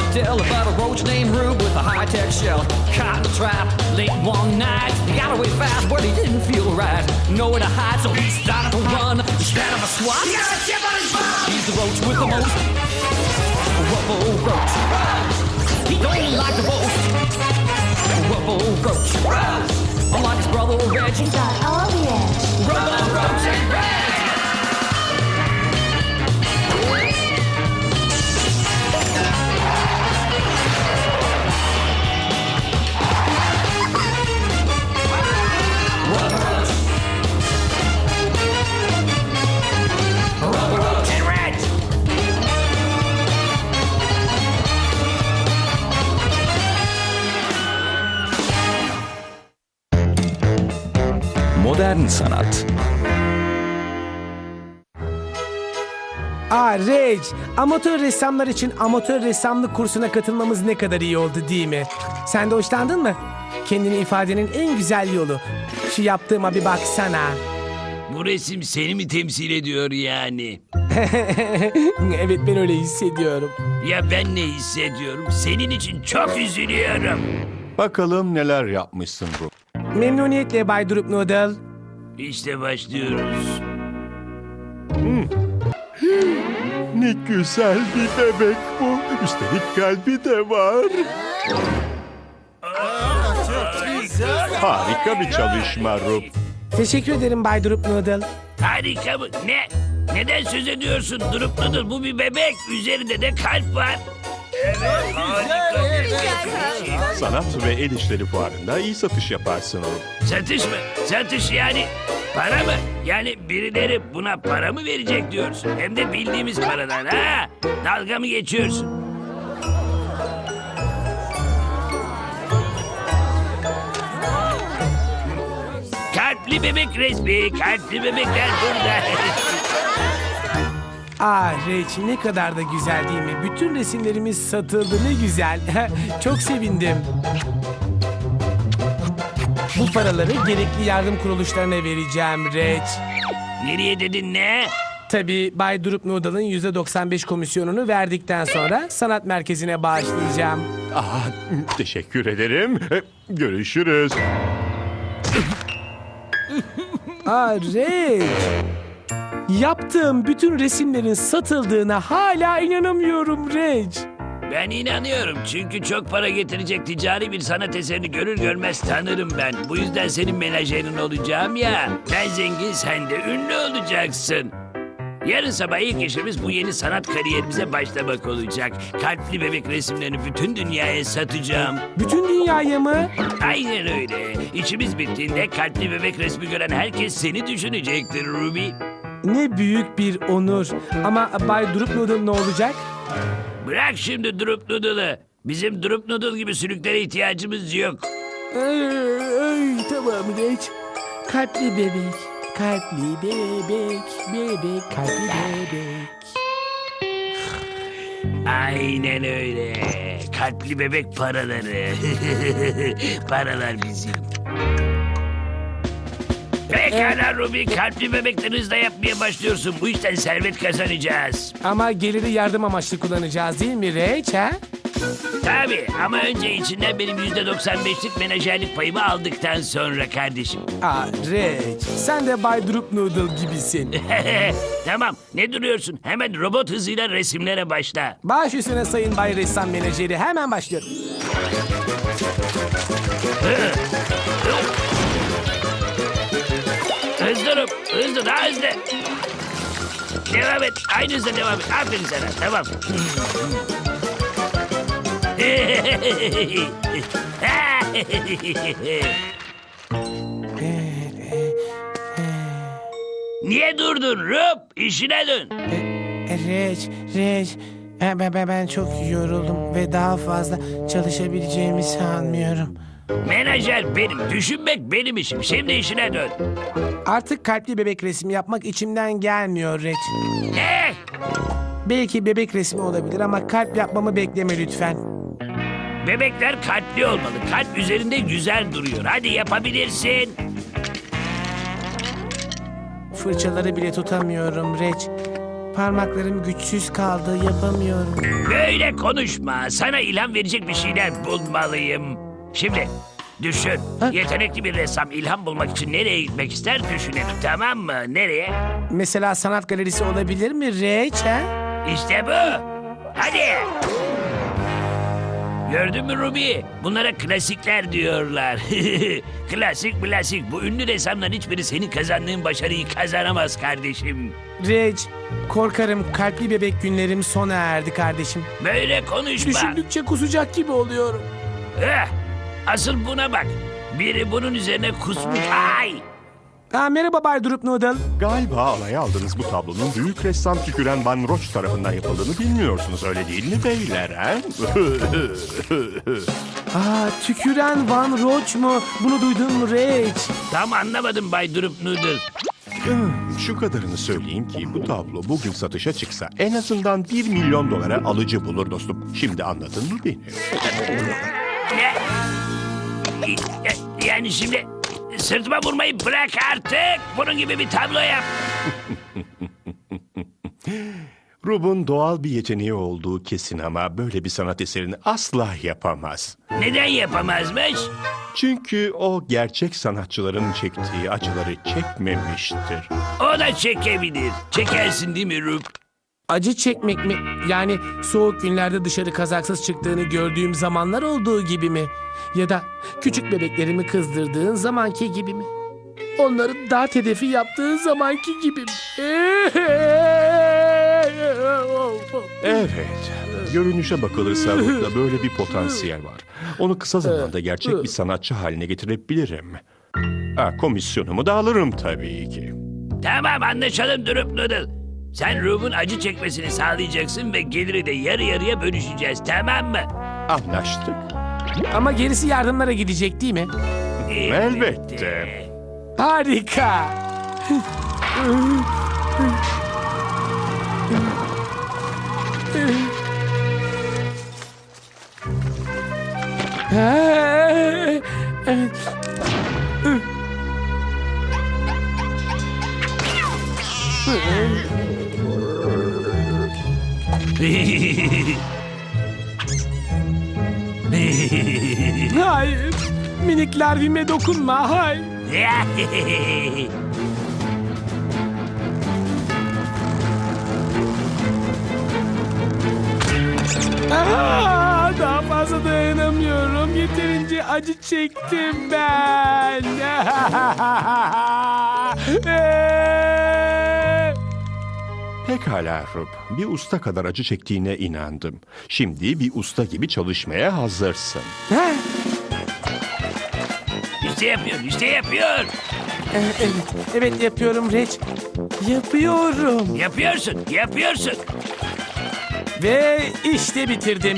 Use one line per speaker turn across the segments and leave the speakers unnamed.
tell about a roach named Rube with a high-tech shell. Caught in a trap late one night. He got away fast, but he didn't feel right. Nowhere to hide, so he started to run. Instead of a swat, he got a chip on his butt. He's the roach with the most rubble roach. He don't like the roast. Rubble roach. Unlike his brother Reg,
He's got all the edge.
Rubble roach and Reg.
Modern sanat.
Reg, amatör ressamlar için amatör ressamlık kursuna katılmamız ne kadar iyi oldu değil mi? Sen de hoşlandın mı? Kendini ifadenin en güzel yolu. Şu yaptığıma bir baksana.
Bu resim seni mi temsil ediyor yani?
Evet, ben öyle hissediyorum.
Ya ben ne hissediyorum? Senin için çok üzülüyorum.
Bakalım neler yapmışsın Rup.
Memnuniyetle Bay Drup Noodle.
İşte başlıyoruz.
Ne güzel bir bebek bu. Üstelik kalbi de var. Harika bir çalışma Rup.
Teşekkür ederim Bay Drup Noodle.
Harika mı? Ne? Neden söz ediyorsun? Durup dudur, bu bir bebek. Üzerinde de kalp var. Evet, harika.
Sanat ve el işleri fuarında iyi satış yaparsın Rup.
Satış mı? Satış yani para mı? Yani birileri buna para mı verecek diyorsun? Hem de bildiğimiz paradan ha? Dalga mı geçiyorsun? Kalpli bebek resmi, kalpli bebekler burada.
Reg, ne kadar da güzel değil mi? Bütün resimlerimiz satıldı, ne güzel. Çok sevindim. Bu paraları gerekli yardım kuruluşlarına vereceğim Reg.
Nereye dedin ne?
Tabii Bay Drup Noodle'ın %95 komisyonunu verdikten sonra sanat merkezine bağışlayacağım.
Teşekkür ederim. Görüşürüz.
Reg. Yaptığım bütün resimlerin satıldığına hala inanamıyorum Reg.
Ben inanıyorum çünkü çok para getirecek ticari bir sanat eserini görür görmez tanırım ben. Bu yüzden senin menajerin olacağım ya. Ben zengin, sen de ünlü olacaksın. Yarın sabah ilk işimiz bu yeni sanat kariyerimize başlamak olacak. Kalpli bebek resimlerini bütün dünyaya satacağım.
Bütün dünyaya mı?
Aynen öyle. İşimiz bittiğinde kalpli bebek resmi gören herkes seni düşünecektir Ruby.
Ne büyük bir onur. Ama Bay Drup Noodle ne olacak?
Bırak şimdi Drup Noodle'ı. Bizim Drup Noodle gibi sülüklere ihtiyacımız yok.
Tamam Reg. Kalpli bebek, kalpli bebek, bebek, kalpli bebek.
Aynen öyle. Kalpli bebek paraları. Paralar bizim. Pekala Ruby, kalpli bebekleri hızla yapmaya başlıyorsun. Bu işten servet kazanacağız.
Ama geliri yardım amaçlı kullanacağız değil mi Reg, ha?
Tabii ama önce içinden benim %95'lik menajerlik payımı aldıktan sonra kardeşim.
Reg, sen de Bay Drup Noodle gibisin.
Tamam, ne duruyorsun? Hemen robot hızıyla resimlere başla.
Baş üstüne sayın Bay Ressam Menajeri, hemen başlıyorum.
Hızlı Rup, hızlı, daha hızlı. Devam et, aynı hızla devam et. Aferin sana, tamam. Niye durdun Rup? İşine dön.
Reg, ben çok yoruldum ve daha fazla çalışabileceğimi sanmıyorum.
Menajer benim, düşünmek benim işim. Şimdi işine dön.
Artık kalpli bebek resmi yapmak içimden gelmiyor Reg.
Ne?
Belki bebek resmi olabilir ama kalp yapmamı bekleme lütfen.
Bebekler kalpli olmalı. Kalp üzerinde güzel duruyor. Hadi yapabilirsin.
Fırçaları bile tutamıyorum Reg. parmaklarım güçsüz kaldı, yapamıyorum.
Böyle konuşma. Sana ilham verecek bir şeyler bulmalıyım. Şimdi düşün. Yetenekli bir ressam ilham bulmak için nereye gitmek ister düşünelim, tamam mı? Nereye?
Mesela sanat galerisi olabilir mi Reç, ha?
İşte bu. Hadi. Gördün mü Ruby? Bunlara klasikler diyorlar. Klasik. Bu ünlü ressamların hiçbiri senin kazandığın başarıyı kazanamaz kardeşim.
Reç, korkarım kalpli bebek günlerim sona erdi kardeşim.
Böyle konuşma.
Düşündükçe kusacak gibi oluyorum.
Asıl buna bak. Biri bunun üzerine kusmuş. Ay!
Merhaba Bay Drup Noodle.
Galiba alaya aldığınız bu tablonun büyük ressam Tüküren Van Roch tarafından yapıldığını bilmiyorsunuz, öyle değil mi beyler?
Tüküren Van Roch mu? Bunu duydun mu Reç?
Tam anlamadım Bay Drup Noodle.
Şu kadarını söyleyeyim ki bu tablo bugün satışa çıksa en azından 1 milyon dolara alıcı bulur dostum. Şimdi anladın mı beni?
Ne? Yani şimdi sırtıma vurmayı bırak artık. Bunun gibi bir tablo yap.
Rub'un doğal bir yeteneği olduğu kesin ama böyle bir sanat eserini asla yapamaz.
Neden yapamazmış?
Çünkü o gerçek sanatçıların çektiği acıları çekmemiştir.
O da çekebilir. Çekersin değil mi Rub?
Acı çekmek mi? Yani soğuk günlerde dışarı kazaksız çıktığını gördüğüm zamanlar olduğu gibi mi? Ya da küçük bebeklerimi kızdırdığın zamanki gibi mi? Onların dart hedefi yaptığın zamanki gibi mi?
Evet, görünüşe bakılırsa Rub'da böyle bir potansiyel var. Onu kısa zamanda gerçek bir sanatçı haline getirebilirim. Komisyonumu da alırım tabii ki.
Tamam, anlaşalım Drup Noodle. Sen Rub'un acı çekmesini sağlayacaksın ve geliri de yarı yarıya bölüşeceğiz, tamam mı?
Anlaştık.
Ama gerisi yardımlara gidecek değil mi?
Elbette.
Harika. Hayır. Minik larvime dokunma. Hayır. Daha fazla dayanamıyorum. Yeterince acı çektim ben.
Pekala Rub, bir usta kadar acı çektiğine inandım. Şimdi bir usta gibi çalışmaya hazırsın.
İşte yapıyor.
Evet yapıyorum Reç. Yapıyorum.
Yapıyorsun.
Ve işte bitirdim.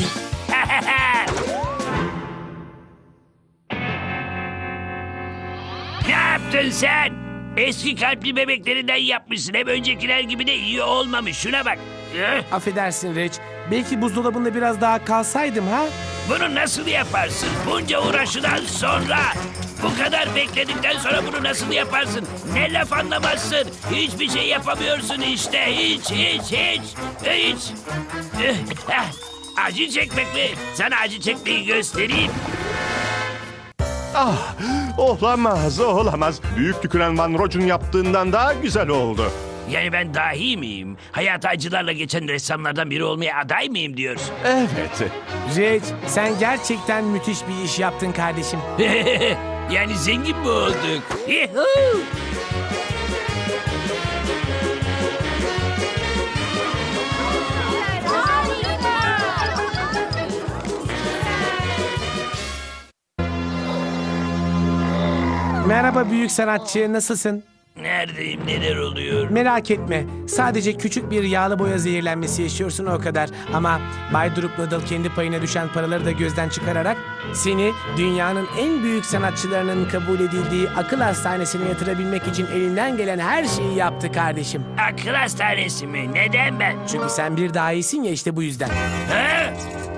Ne yaptın sen? Eski kalpli bebeklerinden yapmışsın. Hem öncekiler gibi de iyi olmamış. Şuna bak.
Affedersin Reç. Belki buzdolabında biraz daha kalsaydım ha?
Bunu nasıl yaparsın? Bunca uğraşıdan sonra. Bu kadar bekledikten sonra bunu nasıl yaparsın? Ne laf anlamazsın? Hiçbir şey yapamıyorsun işte. Hiç. Acı çekmek mi? Sana acı çekmeyi göstereyim.
Olamaz. Büyük Tüküren Van Roch'un yaptığından daha güzel oldu.
Yani ben dahi miyim? Hayatı acılarla geçen ressamlardan biri olmaya aday mıyım diyorsun?
Evet.
Reç, sen gerçekten müthiş bir iş yaptın kardeşim.
Yani zengin mi olduk? Yuhuu!
Merhaba büyük sanatçı, nasılsın?
Neredeyim, neler oluyor?
Merak etme, sadece küçük bir yağlı boya zehirlenmesi yaşıyorsun o kadar. Ama Bay Drup Noodle kendi payına düşen paraları da gözden çıkararak seni dünyanın en büyük sanatçılarının kabul edildiği akıl hastanesine yatırabilmek için elinden gelen her şeyi yaptı kardeşim.
Akıl hastanesi mi? Neden ben?
Çünkü sen bir daha iyisin ya, işte bu yüzden.
Ha?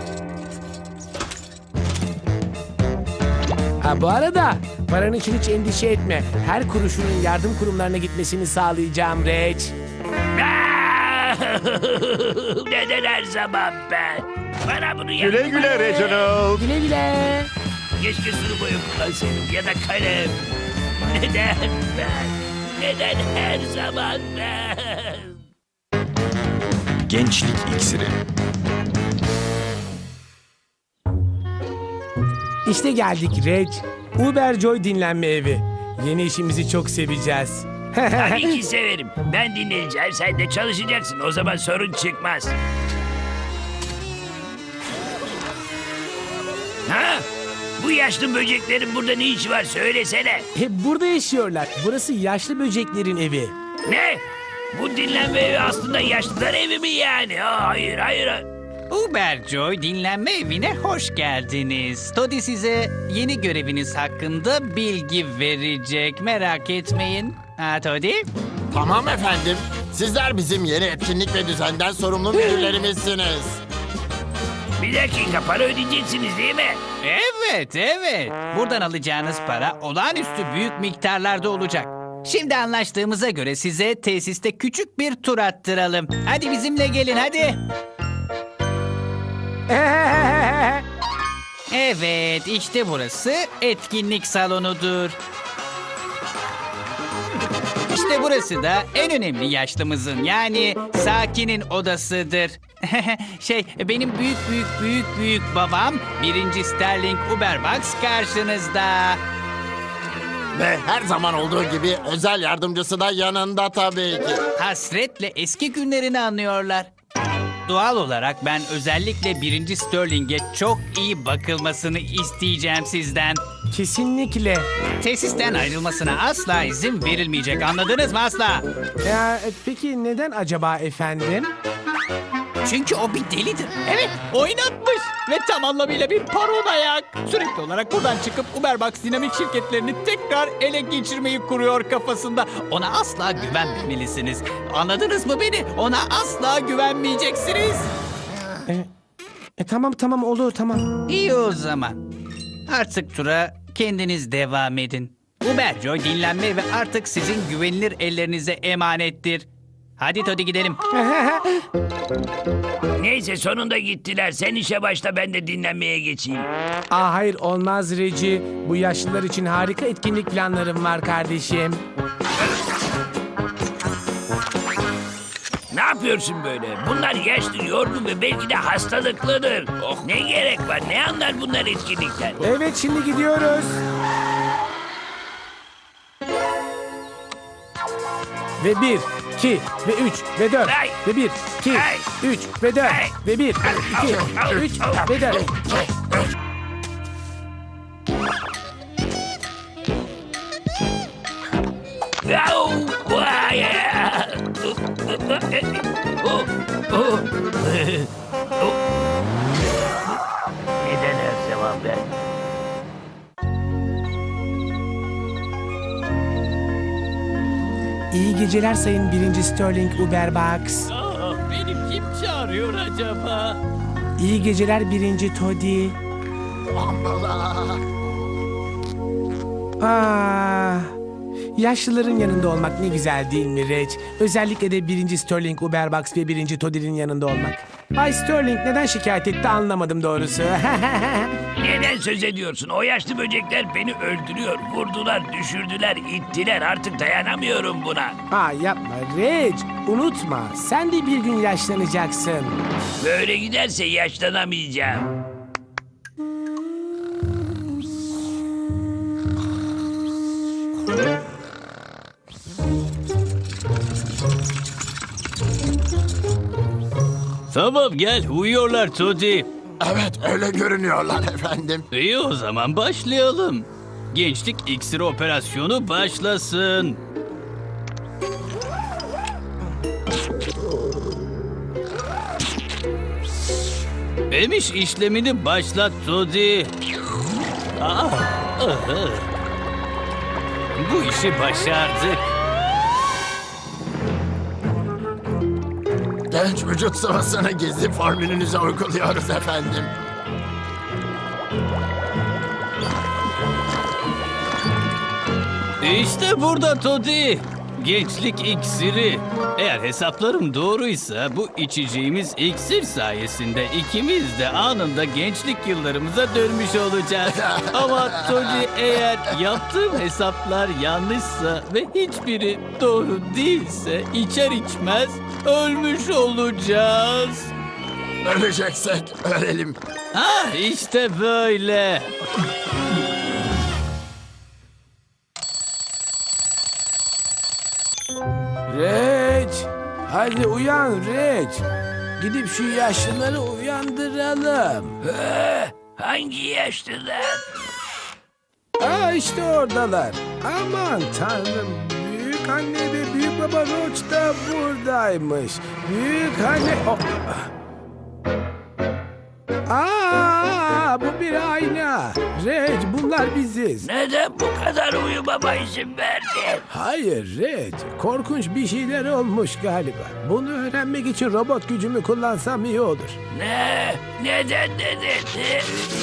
Bu arada paran için hiç endişe etme. Her kuruşunun yardım kurumlarına gitmesini sağlayacağım Reç.
Aa! Neden her zaman ben? Bana bunu
Güle
yapma.
güle Reginald.
Güle güle.
Keşke sulu boya kullansaydım ya da kalem. Neden ben? Neden her zaman ben?
Gençlik iksiri.
İşte geldik Reg. Uberjoy dinlenme evi. Yeni işimizi çok seveceğiz.
Tabii ki severim. Ben dinleyeceğim, sen de çalışacaksın. O zaman sorun çıkmaz. Ha? Bu yaşlı böceklerin burada ne işi var söylesene.
Hep burada yaşıyorlar. Burası yaşlı böceklerin evi.
Ne? Bu dinlenme evi aslında yaşlılar evi mi yani? Hayır, hayır.
Uberjoy dinlenme evine hoş geldiniz. Toddy size yeni göreviniz hakkında bilgi verecek. Merak etmeyin. Ha Toddy?
Tamam efendim. Sizler bizim yeni etkinlik ve düzenden sorumlu müdürlerimizsiniz.
Bir dakika, para ödeyeceksiniz değil mi?
Evet, evet. Buradan alacağınız para olağanüstü büyük miktarlarda olacak. Şimdi anlaştığımıza göre size tesiste küçük bir tur attıralım. Hadi bizimle gelin hadi. Evet, işte burası etkinlik salonudur. İşte burası da en önemli yaşlımızın yani Sakin'in odasıdır. Benim büyük babam 1. Sterling Uberbox karşınızda.
Ve her zaman olduğu gibi özel yardımcısı da yanında tabii ki.
Hasretle eski günlerini anlıyorlar. Doğal olarak ben özellikle 1. Sterling'e çok iyi bakılmasını isteyeceğim sizden.
Kesinlikle.
Tesisten ayrılmasına asla izin verilmeyecek. Anladınız mı asla?
Ya, peki neden acaba efendim?
Çünkü o bir delidir. Evet, oynatmış ve tam anlamıyla bir paranoyak. Sürekli olarak buradan çıkıp Uberbox dinamik şirketlerini tekrar ele geçirmeyi kuruyor kafasında. Ona asla güvenmemelisiniz. Anladınız mı beni? Ona asla güvenmeyeceksiniz.
Tamam olur tamam.
İyi o zaman. Artık tura kendiniz devam edin. Uberjoy dinlenme ve artık sizin güvenilir ellerinize emanettir. Hadi Toddy gidelim.
Neyse, sonunda gittiler. Sen işe başla, ben de dinlenmeye geçeyim.
Hayır olmaz Reci. Bu yaşlılar için harika etkinlik planlarım var kardeşim.
Ne yapıyorsun böyle? Bunlar yaşlı, yorgun ve belki de hastalıklıdır. Ne gerek var? Ne anlar bunlar etkinlikten?
Evet şimdi gidiyoruz. Ve 1, 2 ve 3 ve 4
Ay.
ve 1, 2,
Ay.
3 ve 4
Ay.
ve 1, 2,
Au.
3 ve 4.
Au! Vay! Oh. Neden her zaman ben?
İyi geceler sayın 1. Sterling Uberbox.
Beni kim çağırıyor acaba?
İyi geceler 1. Toddy. Yaşlıların yanında olmak ne güzel değil mi Reg? Özellikle de 1. Sterling Uberbox ve 1. Toddy'nin yanında olmak. Bay Sterling neden şikayet etti anlamadım doğrusu.
Neden söz ediyorsun? O yaşlı böcekler beni öldürüyor. Vurdular, düşürdüler, ittiler. Artık dayanamıyorum buna.
Yapma Reg. Unutma sen de bir gün yaşlanacaksın.
Böyle giderse yaşlanamayacağım.
Tamam gel uyuyorlar Toddy.
Evet öyle görünüyorlar efendim.
İyi o zaman başlayalım. Gençlik iksiri operasyonu başlasın. Emiş işlemini başlat Toddy. Bu işi başardık.
Genç vücut sıvısını gizli formülünüze uyguluyoruz efendim.
İşte burada Toddy. gençlik iksiri. Eğer hesaplarım doğruysa bu içeceğimiz iksir sayesinde ikimiz de anında gençlik yıllarımıza dönmüş olacağız. Ama Tony, eğer yaptığım hesaplar yanlışsa ve hiçbiri doğru değilse içer içmez ölmüş olacağız.
Öleceksek ölelim.
Ah, işte böyle.
Reç, hadi uyan Reç. Gidip şu yaşlıları uyandıralım.
Hangi yaşlılar?
Aa, işte oradalar. Aman tanrım, büyük anne ve büyük baba Roach da buradaymış. Büyük anne... Oh. Aa, bu bir ayna. Reç, bunlar biziz.
Neden bu kadar uyumama izin verdin?
Hayır Reç, korkunç bir şeyler olmuş galiba. Bunu öğrenmek için robot gücümü kullansam iyi olur.
Ne? Neden dedin?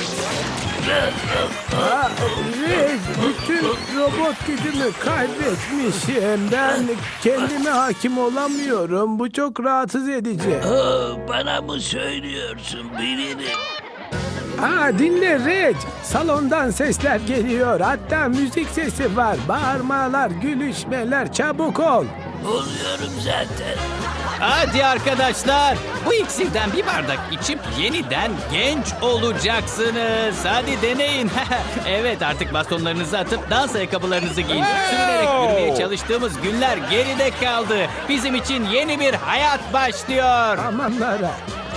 Aa, Reç, bütün robot gücümü kaybetmişim. Ben kendime hakim olamıyorum. Bu çok rahatsız edici.
Bana mı söylüyorsun? Bilirim.
Aa, dinle Reç. Salondan sesler geliyor. Hatta müzik sesi var. Bağırmalar, gülüşmeler. Çabuk ol.
Oluyorum zaten.
Hadi arkadaşlar, bu iksirden bir bardak içip yeniden genç olacaksınız. Hadi deneyin. Evet, artık bastonlarınızı atıp dans ayakkabılarınızı giyin. Sürünerek yürümeye çalıştığımız günler geride kaldı. Bizim için yeni bir hayat başlıyor.
Amanlara.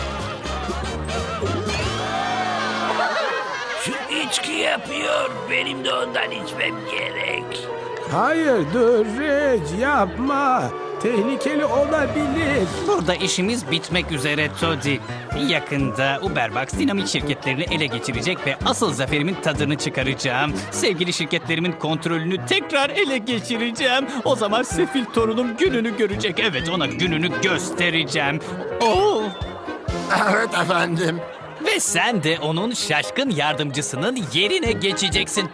Şu içki yapıyor. Benim de ondan içmem gerek.
Hayır dur Reç, yapma. Tehlikeli olabilir.
Burada işimiz bitmek üzere Toddy. Yakında Uberbox dinamik şirketlerini ele geçirecek ve asıl zaferimin tadını çıkaracağım. Sevgili şirketlerimin kontrolünü tekrar ele geçireceğim. O zaman sefil torunum gününü görecek. Evet, ona gününü göstereceğim. Oh!
Evet efendim.
Ve sen de onun şaşkın yardımcısının yerine geçeceksin.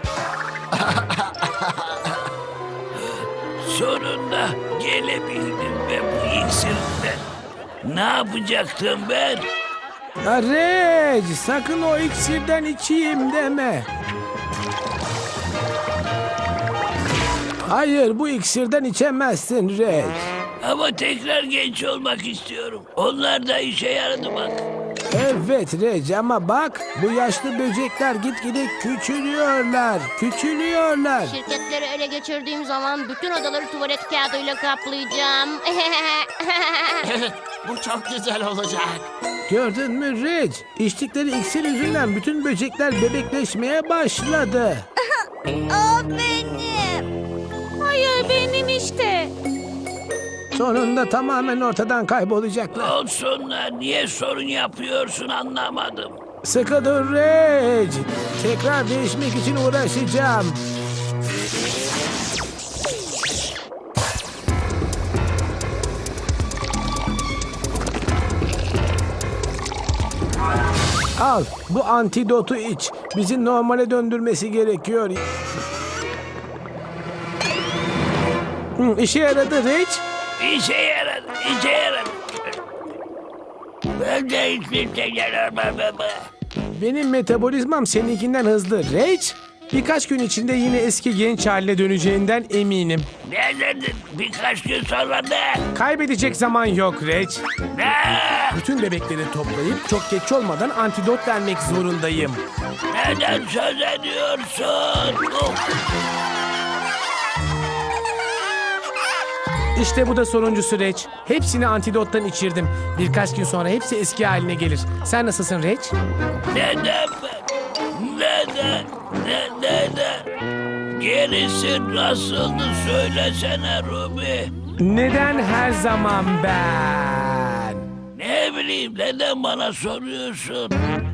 Sonunda gelebildim ve bu iksirle. Ne yapacaktım ben?
Reç, sakın o iksirden içeyim deme. Hayır, bu iksirden içemezsin Reç.
Ama tekrar genç olmak istiyorum. Onlar da işe yaradı bak.
Evet Reç, ama bak bu yaşlı böcekler gitgide küçülüyorlar. Küçülüyorlar.
Şirketleri ele geçirdiğim zaman bütün odaları tuvalet kağıdıyla kaplayacağım.
Bu çok güzel olacak.
Gördün mü Reç? İçtikleri iksir yüzünden bütün böcekler bebekleşmeye başladı.
O benim. Hayır, benim işte.
Sonunda tamamen ortadan kaybolacaklar.
Olsunlar. Niye sorun yapıyorsun anlamadım.
Sıkı dur Reç. Tekrar değişmek için uğraşacağım. Al, bu antidotu iç. Bizi normale döndürmesi gerekiyor. İşe yaradı Reç.
İşe yaradı. İşe yaradı. Ben de hiçbir şey yaramam.
Benim metabolizmam seninkinden hızlı Reç. Birkaç gün içinde yine eski genç haline döneceğinden eminim.
Ne dedin? Birkaç gün sonra ne?
Kaybedecek zaman yok Reç.
Ne?
Bütün bebekleri toplayıp çok geç olmadan antidot vermek zorundayım.
Neden söz ediyorsun?
İşte bu da sonuncu süreç. Hepsini antidottan içirdim. Birkaç gün sonra hepsi eski haline gelir. Sen nasılsın Reç?
Neden ben? Neden? Neden? Gerisi nasıldı söylesene Ruby.
Neden her zaman ben?
Ne bileyim neden bana soruyorsun?